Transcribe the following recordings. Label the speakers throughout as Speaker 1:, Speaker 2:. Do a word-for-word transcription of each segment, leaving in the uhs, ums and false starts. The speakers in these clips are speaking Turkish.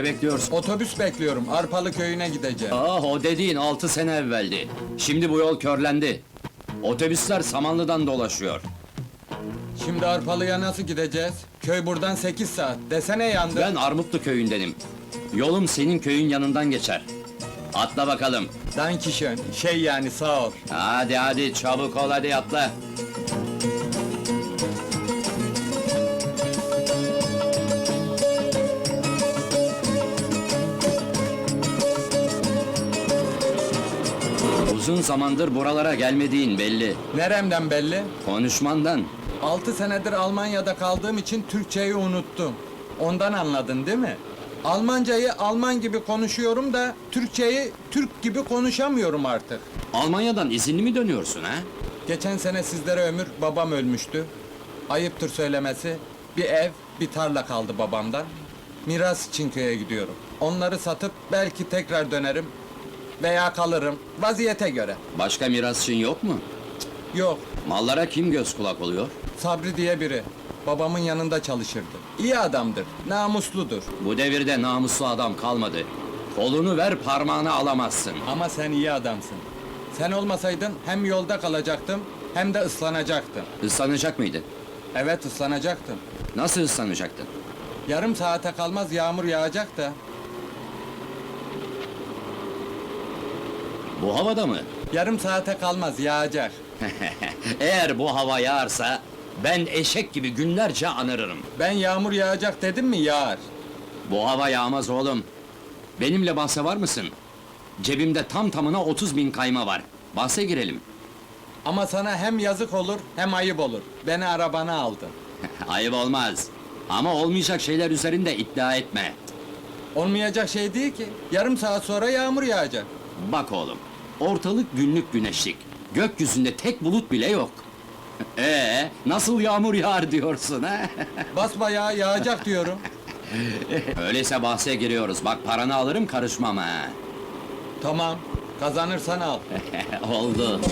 Speaker 1: Ne bekliyorsun?
Speaker 2: Otobüs bekliyorum, Arpalı köyüne gideceğim.
Speaker 1: Ah, o dediğin altı sene evveldi. Şimdi bu yol körlendi. Otobüsler Samanlı'dan dolaşıyor.
Speaker 2: Şimdi Arpalı'ya nasıl gideceğiz? Köy buradan sekiz saat, desene yandı.
Speaker 1: Ben Armutlu köyündenim. Yolum senin köyün yanından geçer. Atla bakalım.
Speaker 2: Dankişön, şey yani sağ ol.
Speaker 1: Hadi hadi, çabuk ol, hadi atla. Uzun zamandır buralara gelmediğin belli.
Speaker 2: Neremden belli?
Speaker 1: Konuşmandan.
Speaker 2: Altı senedir Almanya'da kaldığım için Türkçeyi unuttum. Ondan anladın değil mi? Almancayı Alman gibi konuşuyorum da Türkçeyi Türk gibi konuşamıyorum artık.
Speaker 1: Almanya'dan izinli mi dönüyorsun ha?
Speaker 2: Geçen sene sizlere ömür babam ölmüştü. Ayıptır söylemesi. Bir ev, bir tarla kaldı babamdan. Miras için köye gidiyorum. Onları satıp belki tekrar dönerim. Veya kalırım. Vaziyete göre.
Speaker 1: Başka mirasçın yok mu?
Speaker 2: Yok,
Speaker 1: Mallara kim göz kulak oluyor?
Speaker 2: Sabri diye biri. Babamın yanında çalışırdı. İyi adamdır, namusludur.
Speaker 1: Bu devirde namuslu adam kalmadı. Kolunu ver, parmağını alamazsın.
Speaker 2: Ama sen iyi adamsın. Sen olmasaydın hem yolda kalacaktım hem de ıslanacaktım.
Speaker 1: Islanacak mıydın?
Speaker 2: Evet, ıslanacaktım.
Speaker 1: Nasıl ıslanacaktın?
Speaker 2: Yarım saate kalmaz yağmur yağacak da.
Speaker 1: Bu havada mı?
Speaker 2: Yarım saate kalmaz yağacak.
Speaker 1: Eğer bu hava yağarsa, ben eşek gibi günlerce anırırım.
Speaker 2: Ben yağmur yağacak dedim mi yağar.
Speaker 1: Bu hava yağmaz oğlum. Benimle bahse var mısın? Cebimde tam tamına otuz bin kayma var. Bahse girelim.
Speaker 2: Ama sana hem yazık olur hem ayıp olur. Beni arabana aldın.
Speaker 1: Ayıp olmaz. Ama olmayacak şeyler üzerinde iddia etme.
Speaker 2: Olmayacak şey değil ki. Yarım saat sonra yağmur yağacak.
Speaker 1: Bak oğlum, ortalık günlük güneşlik. Gökyüzünde tek bulut bile yok. Ee, nasıl yağmur yağar diyorsun ha?
Speaker 2: Basbayağı yağacak diyorum.
Speaker 1: Öyleyse bahse giriyoruz. Bak, paranı alırım, karışmam ha.
Speaker 2: Tamam, kazanırsan al.
Speaker 1: Oldu.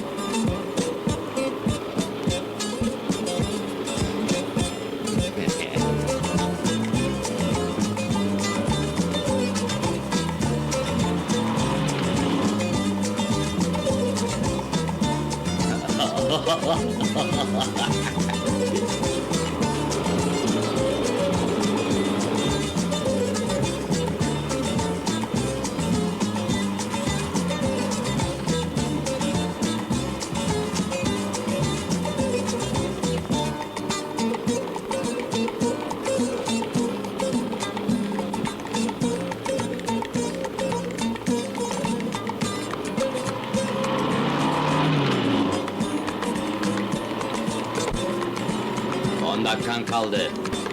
Speaker 1: On dakikan kaldı.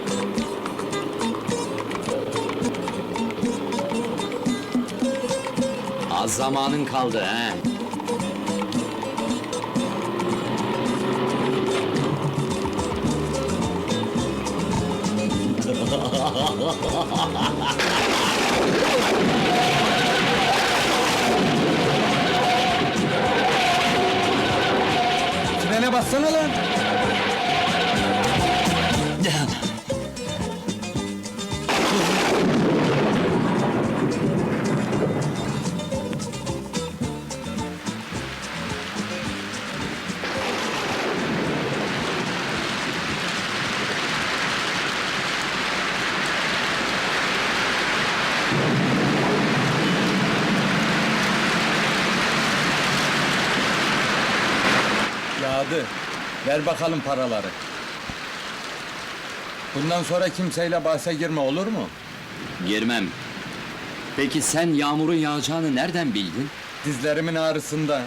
Speaker 1: Az zamanın kaldı he.
Speaker 2: Frene bassana lan! Yağdı. Ver bakalım paraları. Bundan sonra kimseyle bahse girme, olur mu?
Speaker 1: Girmem. Peki sen yağmurun yağacağını nereden bildin?
Speaker 2: Dizlerimin ağrısında.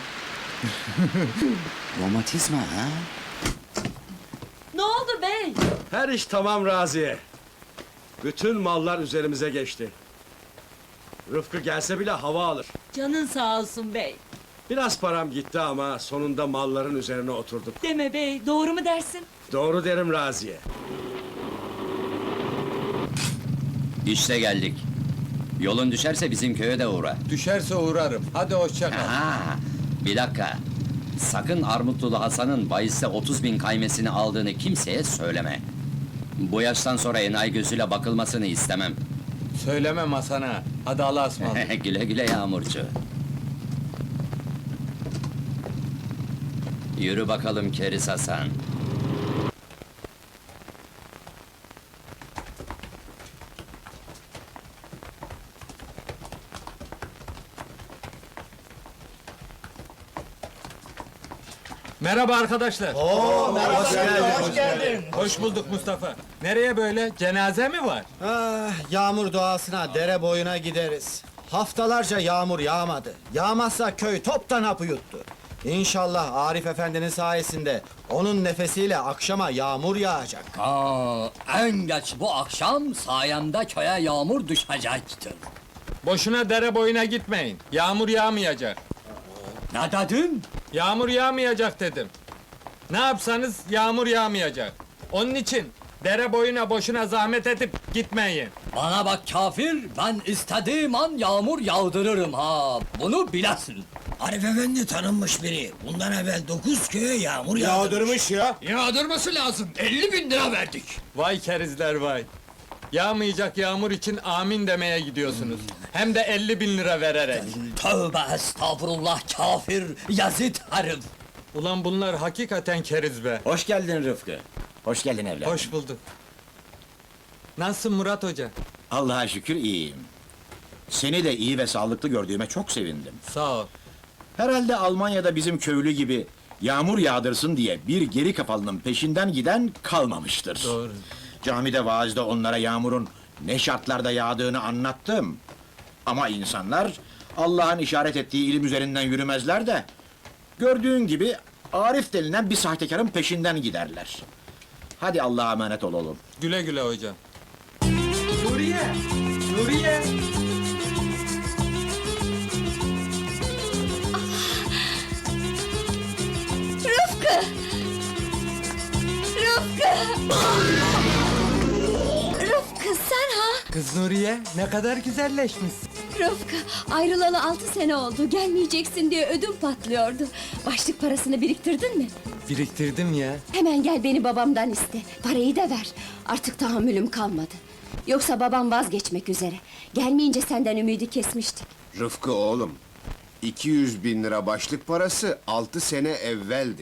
Speaker 1: Romatizma ha?
Speaker 3: Ne oldu bey?
Speaker 4: Her iş tamam Raziye. Bütün mallar üzerimize geçti. Rıfkı gelse bile hava alır.
Speaker 3: Canın sağ olsun bey.
Speaker 4: Biraz param gitti ama sonunda malların üzerine oturduk.
Speaker 3: Deme bey, doğru mu dersin?
Speaker 4: Doğru derim Raziye.
Speaker 1: İşte geldik. Yolun düşerse bizim köye de uğra.
Speaker 2: Düşerse uğrarım. Hadi hoşça kal.
Speaker 1: Ha, bir dakika. Sakın Armutlulu Hasan'ın bahiste otuz bin kaymesini aldığını kimseye söyleme. Bu yaştan sonra enayi gözüyle bakılmasını istemem.
Speaker 2: Söylemem Hasan'a. Hadi Allah'a ısmarladık.
Speaker 1: Güle güle Yağmurcu. Yürü bakalım Keriz Hasan.
Speaker 2: Merhaba arkadaşlar.
Speaker 5: Hoş geldin. Hoş geldin.
Speaker 2: Hoş bulduk Mustafa. Nereye böyle? Cenaze mi var?
Speaker 5: Ah, yağmur doğasına, dere boyuna gideriz. Haftalarca yağmur yağmadı. Yağmazsa köy toptan hapı yuttu. İnşallah Arif Efendi'nin sayesinde onun nefesiyle akşama yağmur yağacak.
Speaker 6: Aa, en geç bu akşam sayemde köye yağmur düşecektir.
Speaker 2: Boşuna dere boyuna gitmeyin. Yağmur yağmayacak.
Speaker 6: Ne dedin?
Speaker 2: Yağmur yağmayacak dedim. Ne yapsanız yağmur yağmayacak. Onun için dere boyuna boşuna zahmet edip gitmeyin.
Speaker 6: Bana bak kafir, ben istediğim an yağmur yağdırırım ha. Bunu bilesin.
Speaker 7: Arif Efendi tanınmış biri. Bundan evvel dokuz köye yağmur yağdırmış.
Speaker 5: ya.
Speaker 6: Yağdırması lazım. elli bin lira verdik.
Speaker 2: Vay kerizler vay. Yağmayacak yağmur için amin demeye gidiyorsunuz. Hem de elli bin lira vererek.
Speaker 6: Tövbe estağfurullah kafir, yazıt herif.
Speaker 2: Ulan bunlar hakikaten keriz be.
Speaker 7: Hoş geldin Rıfkı. Hoş geldin evladım.
Speaker 2: Hoş bulduk. Nasılsın Murat Hoca?
Speaker 8: Allah'a şükür iyiyim. Seni de iyi ve sağlıklı gördüğüme çok sevindim.
Speaker 2: Sağ ol.
Speaker 8: Herhalde Almanya'da bizim köylü gibi yağmur yağdırsın diye bir geri kafalının peşinden giden kalmamıştır.
Speaker 2: Doğru.
Speaker 8: Camide vaazda onlara yağmurun ne şartlarda yağdığını anlattım. Ama insanlar Allah'ın işaret ettiği ilim üzerinden yürümezler de gördüğün gibi Arif denilen bir sahtekarın peşinden giderler. Hadi Allah'a emanet ol oğlum.
Speaker 2: Güle güle hocam. Nuriye! Nuriye!
Speaker 9: Rıfkı! Rıfkı! Rıfkı sen ha?
Speaker 2: Kız Nuriye ne kadar güzelleşmişsin.
Speaker 9: Rıfkı ayrılalı altı sene oldu. Gelmeyeceksin diye ödüm patlıyordu. Başlık parasını biriktirdin mi?
Speaker 2: Biriktirdim ya.
Speaker 9: Hemen gel beni babamdan iste. Parayı da ver. Artık tahammülüm kalmadı. Yoksa babam vazgeçmek üzere. Gelmeyince senden ümidi kesmiştik.
Speaker 10: Rıfkı oğlum, iki yüz bin lira başlık parası altı sene evveldi.